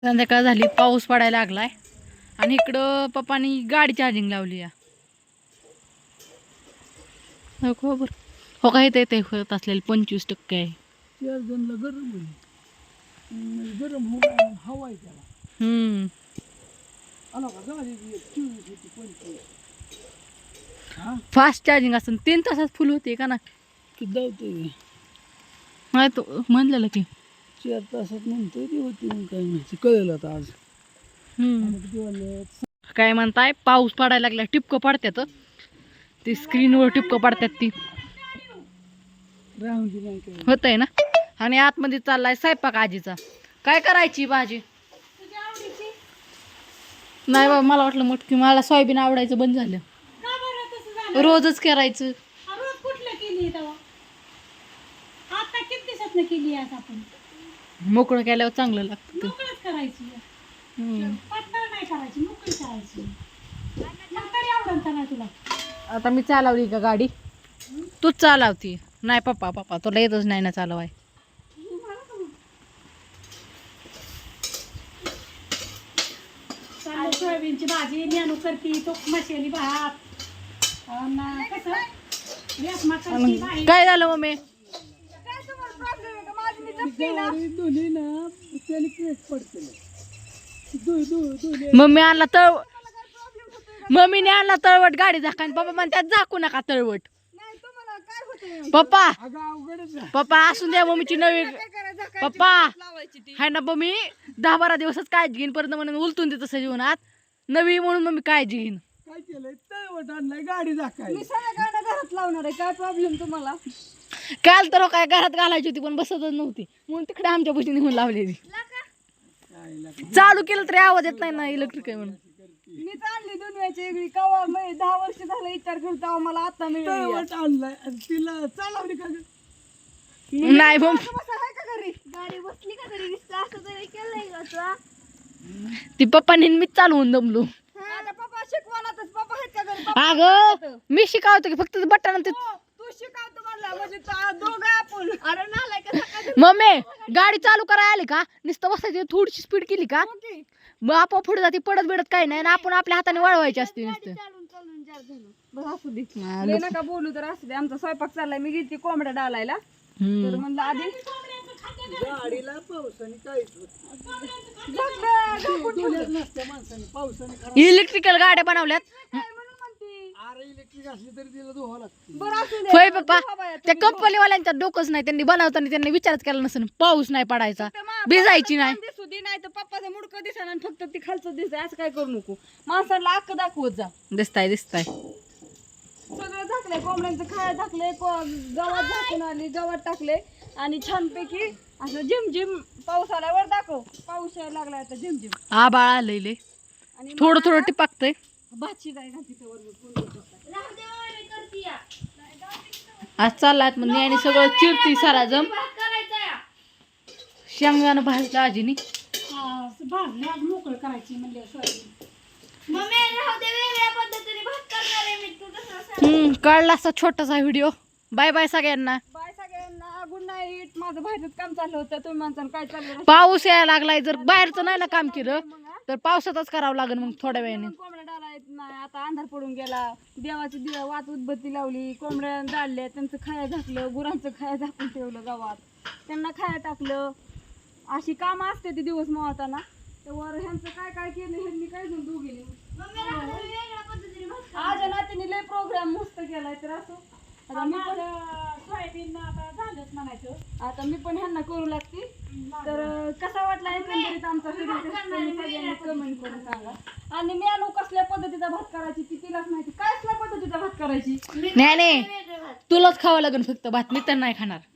संध्याकाळ झाली, पाऊस पडायला लागलाय आणि इकडं पप्पानी गाडी चार्जिंग लावली आहे. हो बरं, हो काय ते होत असलेलं 25% आहे. गरम हवा आहे त्याला. फास्ट चार्जिंग असतं 3 तासात फुल होते का ना. नाही तो म्हणलेलं की 4 तासात म्हणतोय ती होती, मग काय माहिती कळलं आता आज. काय म्हणताय, पाऊस पडायला लागला, टिपकं पडतात ती स्क्रीनवर, टिपकं पडतात ती होत आहे ना. आणि आतमध्ये चाललाय स्वयंपाक आजीचा. काय करायची भाजी? नाही बाबा, मला वाटलं मटकी, मला सोयाबीन आवडायचं बंद झालं. रोजच करायचं. मोकळं केल्यावर चांगलं लागतं. आता मी चालवली का गाडी? तूच चालवती? नाही पप्पा तुला येतच नाही ना चालवाय. सोयाबीनची भाजी नेणू करती, तो मसाली भात. काय झालं मम्मी? मम्मीने आणला तळवट गाडी झाका, पप्पा म्हणतात झाकू नका तळवट. पप्पा असून द्या, मम्मीची नवी पप्पा हाय ना. मम्मी 10-12 दिवसच काळजी घेईन, परत म्हणून उलटून देत तसं जीवनात नवी म्हणून मम्मी काळजी घेईन. काय केलंय, तळवट आणलाय गाडी झाकाय. मी सगळ्या गाड्या घरात लावणार आहे, काय प्रॉब्लेम तुम्हाला? काल तर काय घरात घालायची होती पण बसतच नव्हती, म्हणून तिकडे आमच्या पैसे निघून लावलेली. चालू केलं तरी आवाज येत नाही ना, इलेक्ट्रिक आहे म्हणून. मी आणली दुनियाची वेगळी कवा, 10 वर्ष झालं विचार करतो मला आता तळवट आणलाय तिला चालवली का? नाही मग गाडी बसली का तरी असं तरी केलंय. ती पप्पानी मीच चालवून दमलो. पप्पा शिकवणातच, पप्पा आहेत का घरी? अगं मी शिकावतो की फक्त बटन. तू शिकवतो म्हणला म्हणजे दोघं आपण. अरे नालाय का? मम्मी गाडी चालू करायला आली का नुसतं बसायची, थोडीशी स्पीड केली का मग आपोआप पुढे जाते, पडत बिडत काही नाही. आपण आपल्या हाताने वळवायची असते नुसतं. चालून जार झालं. बस असू दे, लय नका बोलू तर असू दे. आमचा स्वयंपाक चाललाय, मी गेली कोंबड्या डालायला, तर म्हणलं आधी गाडीला पावसाने काहीच नसत्या माणसाने, पावसाने इलेक्ट्रिकल गाड्या बनवल्यात. अरे इलेक्ट्रिक असली तरी तिला धुवा लागते. बरं असू दे. होय पप्पा, त्या कंपनीवाल्यांच्या डोकंच नाही, त्यांनी बनवताना त्यांनी विचारच केला नसेल. पाऊस नाही पडायचा, भिजायची नाही. दिसू दे, नाही तर पप्पाचं मुडकं दिसा आणि फक्त ती खालचं दिसतंय, असं काय करू नको. माणसाला अक्क दाखवत जा. दिसताय सगळं झाकलंय, कोंबड्यांचं खाया झाकलंय, गव्हात झाकून आली, गव्हात टाकले आणि छानपैकी असं झिमझिम पाऊस आल्यावर दाखव. पाऊस यायला लागलाय आता झिमझिम. आबाळ आलेले, आणि थोडं टिपाकतंय. भाची जाय ना तिथं आज चाललात मग आणि सगळं चिरती सारा जम. शेंगदाणं भाजलं आजीनी. भाजले आज मोकळ करायची म्हणजे सोयाबीन. काढला असा छोटासा व्हिडिओ. बाय बाय सगळ्यांना. बाय सगळ्यांना, गुड नाईट. माझं बाहेरच काम चाललं होतं, तुम्ही माणसानं काय चाललं? पाऊस यायला लागलाय, जर बाहेरचं नाही ना काम केलं तर पावसातच करावं लागेल मग थोड्या वेळाने. कोंबड्या डाळा येत नाही, आता अंधार पडून गेला. देवाची दिवा वात उदबत्ती लावली, कोंबड्या डाळल्या, त्यांचं खाया झाकलं, गुरांचं खाया झाकून ठेवलं गावात, त्यांना खाया टाकलं. अशी कामं असते ती दिवस मावताना. तर ह्यांचं काय काय केलं ह्यांनी काय घेऊन दोघीने. आज नातीने लय प्रोग्राम मस्त केलाय. तर असं आता मी पण सोयाबीन आता झालंच म्हणायचं, आता मी पण ह्यांना करू लागते. तर कसा वाटला एकंदरीत आमचा व्हिडिओ सगळ्यांनी कमेंट करून सांगा. आणि मेनू कसल्या पद्धतीचा भात करायची ती तिलाच माहिती. काय कसल्या पद्धतीचा भात करायची नाही तुलाच खावं लागेल फक्त भात, मी तर नाही खाणार.